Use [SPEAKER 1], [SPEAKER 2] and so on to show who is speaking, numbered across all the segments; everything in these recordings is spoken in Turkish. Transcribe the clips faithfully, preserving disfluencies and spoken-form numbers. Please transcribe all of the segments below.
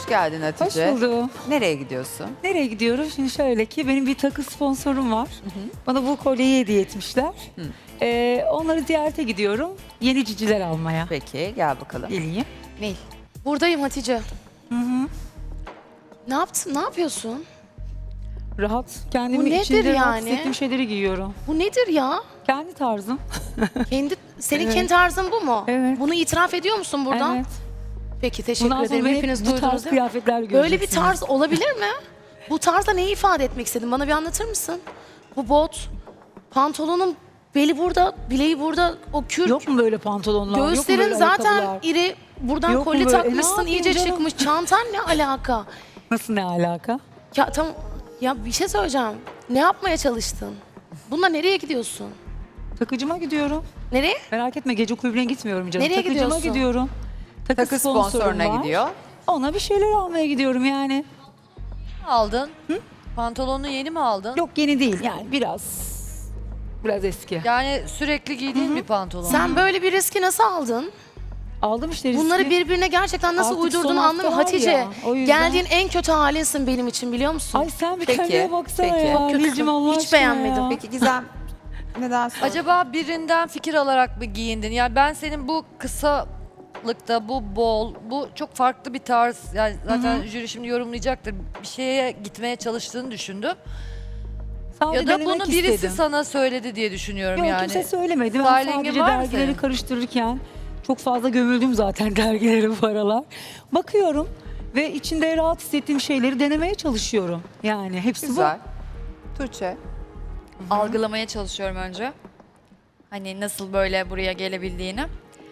[SPEAKER 1] geldin
[SPEAKER 2] Hoş
[SPEAKER 1] Hatice.
[SPEAKER 2] buldum.
[SPEAKER 1] Nereye gidiyorsun?
[SPEAKER 2] Nereye gidiyoruz? Şimdi şöyle ki benim bir takı sponsorum var. Bana bu kolyeyi hediye etmişler. Ee, onları ziyarete gidiyorum. Yeni ciciler almaya.
[SPEAKER 1] Peki gel bakalım.
[SPEAKER 2] Geleyim.
[SPEAKER 3] Nil. Buradayım Hatice.
[SPEAKER 2] Hı hı.
[SPEAKER 3] Ne yaptın? Ne yapıyorsun?
[SPEAKER 2] Rahat. Kendimi
[SPEAKER 3] Bu nedir
[SPEAKER 2] içinde rahat
[SPEAKER 3] yani?
[SPEAKER 2] hissettiğim şeyleri giyiyorum.
[SPEAKER 3] Bu nedir ya?
[SPEAKER 2] Kendi tarzım.
[SPEAKER 3] Kendi senin
[SPEAKER 2] Evet.
[SPEAKER 3] kendi tarzın bu mu?
[SPEAKER 2] Evet.
[SPEAKER 3] Bunu itiraf ediyor musun buradan?
[SPEAKER 2] Evet.
[SPEAKER 3] Peki teşekkür
[SPEAKER 2] Bundan
[SPEAKER 3] ederim.
[SPEAKER 2] sonra
[SPEAKER 3] Hepiniz
[SPEAKER 2] hep bu tarz
[SPEAKER 3] duydunuz değil mi?
[SPEAKER 2] kıyafetler göreceksiniz.
[SPEAKER 3] Böyle bir tarz olabilir mi? Bu tarzda neyi ifade etmek istedin? Bana bir anlatır mısın? Bu bot, pantolonun beli burada, bileği burada, o kürk.
[SPEAKER 2] Yok mu böyle pantolonlar? Yok mu
[SPEAKER 3] Göğüslerin
[SPEAKER 2] böyle
[SPEAKER 3] zaten
[SPEAKER 2] ayakkabılar?
[SPEAKER 3] iri. Buradan
[SPEAKER 2] Yok mu
[SPEAKER 3] kolye
[SPEAKER 2] böyle? E, ne
[SPEAKER 3] takmışsın,
[SPEAKER 2] yapayım
[SPEAKER 3] iyice
[SPEAKER 2] canım?
[SPEAKER 3] çıkmış. Çantan ne alaka?
[SPEAKER 2] Nasıl ne alaka?
[SPEAKER 3] Ya tam ya bir şey söyleyeceğim. Ne yapmaya çalıştın? Bununla nereye gidiyorsun?
[SPEAKER 2] Takıcıma gidiyorum.
[SPEAKER 3] Nereye?
[SPEAKER 2] Merak etme gece kulübüne gitmiyorum canım.
[SPEAKER 3] Nereye
[SPEAKER 2] Takıcıma
[SPEAKER 3] gidiyorsun?
[SPEAKER 2] gidiyorum. Takı,
[SPEAKER 1] Takı
[SPEAKER 2] sponsorum
[SPEAKER 1] sponsoruna
[SPEAKER 2] var.
[SPEAKER 1] gidiyor.
[SPEAKER 2] Ona bir şeyler almaya gidiyorum yani.
[SPEAKER 4] Aldın. Pantolonunu yeni mi aldın?
[SPEAKER 2] Yok yeni değil yani biraz biraz eski.
[SPEAKER 4] Yani sürekli giydiğin bir pantolon.
[SPEAKER 3] Sen böyle bir riski nasıl aldın?
[SPEAKER 2] Aldım işte riski.
[SPEAKER 3] Bunları birbirine gerçekten nasıl
[SPEAKER 2] Artık
[SPEAKER 3] uydurduğunu
[SPEAKER 2] son hafta
[SPEAKER 3] anlamıyorum.
[SPEAKER 2] var
[SPEAKER 3] Hatice,
[SPEAKER 2] ya, o yüzden.
[SPEAKER 3] geldiğin en kötü halinsin benim için biliyor musun?
[SPEAKER 2] Ay sen bir
[SPEAKER 1] Peki,
[SPEAKER 2] kendine baksana
[SPEAKER 1] peki.
[SPEAKER 2] ya.
[SPEAKER 3] Çok kötüsün.
[SPEAKER 2] Nilcim, Allah
[SPEAKER 3] Hiç
[SPEAKER 2] aşkına
[SPEAKER 3] beğenmedim.
[SPEAKER 2] ya.
[SPEAKER 1] Peki Gizem neden sor?
[SPEAKER 4] Acaba birinden fikir alarak mı giyindin? Yani ben senin bu kısalıkta, bu bol, bu çok farklı bir tarz. Yani zaten jüri şimdi yorumlayacaktır. Bir şeye gitmeye çalıştığını düşündüm.
[SPEAKER 2] Sadece
[SPEAKER 4] Ya da
[SPEAKER 2] denemek
[SPEAKER 4] bunu birisi
[SPEAKER 2] istedim.
[SPEAKER 4] sana söyledi diye düşünüyorum
[SPEAKER 2] Yok
[SPEAKER 4] yani.
[SPEAKER 2] kimse söylemedi. Ben
[SPEAKER 4] Styling'in
[SPEAKER 2] sadece
[SPEAKER 4] var mı
[SPEAKER 2] dergileri
[SPEAKER 4] senin?
[SPEAKER 2] karıştırırken çok fazla gömüldüm zaten dergilere bu aralar. Bakıyorum ve içinde rahat hissettiğim şeyleri denemeye çalışıyorum. Yani hepsi
[SPEAKER 1] Güzel. Tuğçe.
[SPEAKER 5] Algılamaya çalışıyorum önce. Hani nasıl böyle buraya gelebildiğini.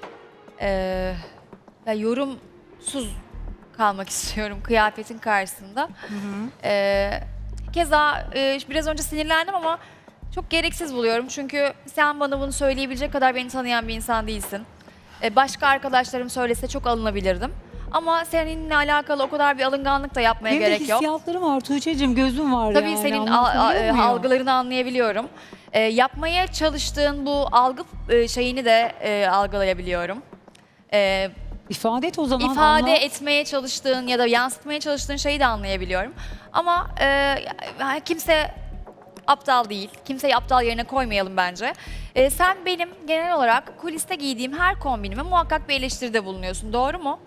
[SPEAKER 5] Ee, ya yorumsuz kalmak istiyorum kıyafetin karşısında. Ee, keza e, biraz önce sinirlendim ama çok gereksiz buluyorum. Çünkü sen bana bunu söyleyebilecek kadar beni tanıyan bir insan değilsin. Ee, başka arkadaşlarım söylese çok alınabilirdim. Ama seninle alakalı o kadar bir alınganlık da yapmaya
[SPEAKER 2] Benim de
[SPEAKER 5] gerek yok.
[SPEAKER 2] hissiyatlarım var. Tuğçe'cim gözüm var
[SPEAKER 5] Tabii
[SPEAKER 2] yani.
[SPEAKER 5] senin al-
[SPEAKER 2] anlatabiliyor
[SPEAKER 5] a-
[SPEAKER 2] muyum?
[SPEAKER 5] algılarını anlayabiliyorum. Ee, yapmaya çalıştığın bu algı e, şeyini de e, algılayabiliyorum. Ee,
[SPEAKER 2] İfade et o zaman.
[SPEAKER 5] ifade
[SPEAKER 2] anlat.
[SPEAKER 5] etmeye çalıştığın ya da yansıtmaya çalıştığın şeyi de anlayabiliyorum. Ama e, ya- kimse aptal değil. Kimseyi aptal yerine koymayalım bence. Ee, sen benim genel olarak kuliste giydiğim her kombinime muhakkak bir eleştiride bulunuyorsun. Doğru mu?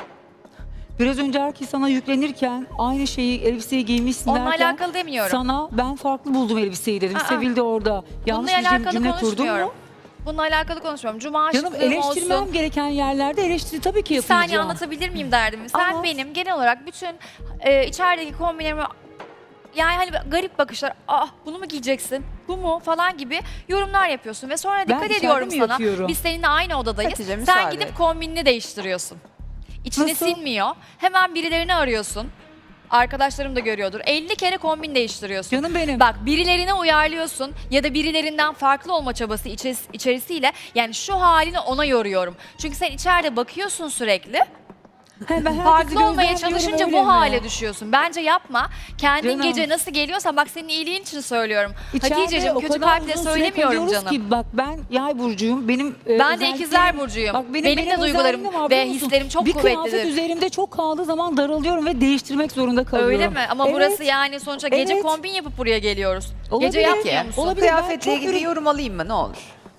[SPEAKER 2] Biraz önce herkes sana yüklenirken aynı şeyi elbiseyi giymişsin
[SPEAKER 5] Onunla
[SPEAKER 2] derken
[SPEAKER 5] alakalı demiyorum.
[SPEAKER 2] sana ben farklı buldum elbiseyi dedim.
[SPEAKER 5] Aa,
[SPEAKER 2] Sevil de orada. Yanlış
[SPEAKER 5] Bununla
[SPEAKER 2] bir cüm-
[SPEAKER 5] alakalı
[SPEAKER 2] cümle kurdun
[SPEAKER 5] konuşmuyorum.
[SPEAKER 2] mu?
[SPEAKER 5] Bununla alakalı konuşmuyorum. Cuma
[SPEAKER 2] Canım
[SPEAKER 5] şıklığım
[SPEAKER 2] eleştirmem
[SPEAKER 5] olsun.
[SPEAKER 2] gereken yerlerde eleştiri tabii ki
[SPEAKER 5] Bir
[SPEAKER 2] yapacağım.
[SPEAKER 5] saniye anlatabilir miyim derdimi? Sen
[SPEAKER 2] Anlat.
[SPEAKER 5] benim genel olarak bütün e, içerideki kombinlerimi yani hani garip bakışlar, ah bunu mu giyeceksin, bu mu falan gibi yorumlar yapıyorsun ve sonra dikkat
[SPEAKER 2] içeride
[SPEAKER 5] ediyorum
[SPEAKER 2] mi
[SPEAKER 5] sana.
[SPEAKER 2] yapıyorum?
[SPEAKER 5] Biz seninle aynı odadayız.
[SPEAKER 1] Hatice,
[SPEAKER 5] Sen
[SPEAKER 1] müsaade
[SPEAKER 5] gidip
[SPEAKER 1] et.
[SPEAKER 5] kombinini değiştiriyorsun. İçine
[SPEAKER 2] Nasıl?
[SPEAKER 5] sinmiyor. Hemen birilerini arıyorsun. Arkadaşlarım da görüyordur. elli kere kombin değiştiriyorsun.
[SPEAKER 2] Canım benim.
[SPEAKER 5] Bak birilerine uyarlıyorsun ya da birilerinden farklı olma çabası içeris- içerisiyle yani şu halini ona yoruyorum. Çünkü sen içeride bakıyorsun sürekli.
[SPEAKER 2] He, ben herkesi
[SPEAKER 5] Farklı olmaya
[SPEAKER 2] gözlemliyorum,
[SPEAKER 5] çalışınca
[SPEAKER 2] öyle
[SPEAKER 5] bu
[SPEAKER 2] mi?
[SPEAKER 5] hale düşüyorsun. Bence yapma. Kendin
[SPEAKER 2] Canım.
[SPEAKER 5] gece nasıl geliyorsan bak senin iyiliğin için söylüyorum.
[SPEAKER 2] İçeride
[SPEAKER 5] Hatice'cim
[SPEAKER 2] o
[SPEAKER 5] kötü
[SPEAKER 2] kadar
[SPEAKER 5] kalple
[SPEAKER 2] uzun süre
[SPEAKER 5] söylemiyorum
[SPEAKER 2] kalıyoruz
[SPEAKER 5] canım.
[SPEAKER 2] Ki, bak ben yay burcuyum. Benim e,
[SPEAKER 5] Ben de
[SPEAKER 2] özelliklerim-
[SPEAKER 5] ikizler burcuyum.
[SPEAKER 2] Bak,
[SPEAKER 5] Benim de duygularım
[SPEAKER 2] özelliğim var,
[SPEAKER 5] ve
[SPEAKER 2] biliyor musun?
[SPEAKER 5] hislerim çok
[SPEAKER 2] bir
[SPEAKER 5] kuvvetlidir.
[SPEAKER 2] Bir kıyafet üzerimde çok kaldığı zaman daralıyorum ve değiştirmek zorunda kalıyorum.
[SPEAKER 5] Öyle mi? Ama
[SPEAKER 2] Evet.
[SPEAKER 5] burası yani sonuçta gece
[SPEAKER 2] Evet.
[SPEAKER 5] kombin yapıp buraya geliyoruz.
[SPEAKER 2] Olabilir.
[SPEAKER 5] Gece yapmıyor
[SPEAKER 1] Peki.
[SPEAKER 5] musun?
[SPEAKER 2] Olabilir. ben
[SPEAKER 1] Kıyafetle
[SPEAKER 2] çok
[SPEAKER 1] ilgili
[SPEAKER 2] ürün-
[SPEAKER 1] yorum alayım mı ne olur?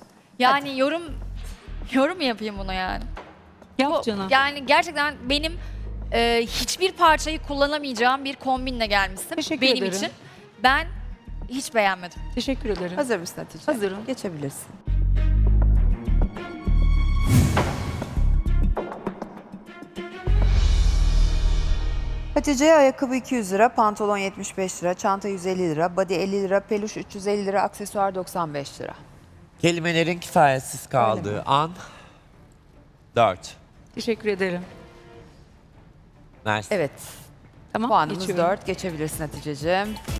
[SPEAKER 5] Yani yorum yorum mu yapayım bunu yani?
[SPEAKER 2] Yap
[SPEAKER 5] Bu-
[SPEAKER 2] canım.
[SPEAKER 5] Yani gerçekten benim e, hiçbir parçayı kullanamayacağım bir kombinle gelmişsin.
[SPEAKER 2] Teşekkür
[SPEAKER 5] benim
[SPEAKER 2] ederim.
[SPEAKER 5] için. Ben hiç beğenmedim.
[SPEAKER 2] Teşekkür ederim.
[SPEAKER 1] Hazır mısın Hatice?
[SPEAKER 2] Hazırım.
[SPEAKER 1] Geçebilirsin. Hatice'ye ayakkabı iki yüz lira, pantolon yetmiş beş lira, çanta yüz elli lira, body elli lira, peluş üç yüz elli lira, aksesuar doksan beş lira.
[SPEAKER 6] Kelimelerin kifayetsiz kaldığı an dört.
[SPEAKER 2] Teşekkür ederim.
[SPEAKER 6] Mersi.
[SPEAKER 1] Evet,
[SPEAKER 2] Tamam.
[SPEAKER 1] puanımız
[SPEAKER 2] geçiyorum.
[SPEAKER 1] dört. Geçebilirsin Hatice'ciğim.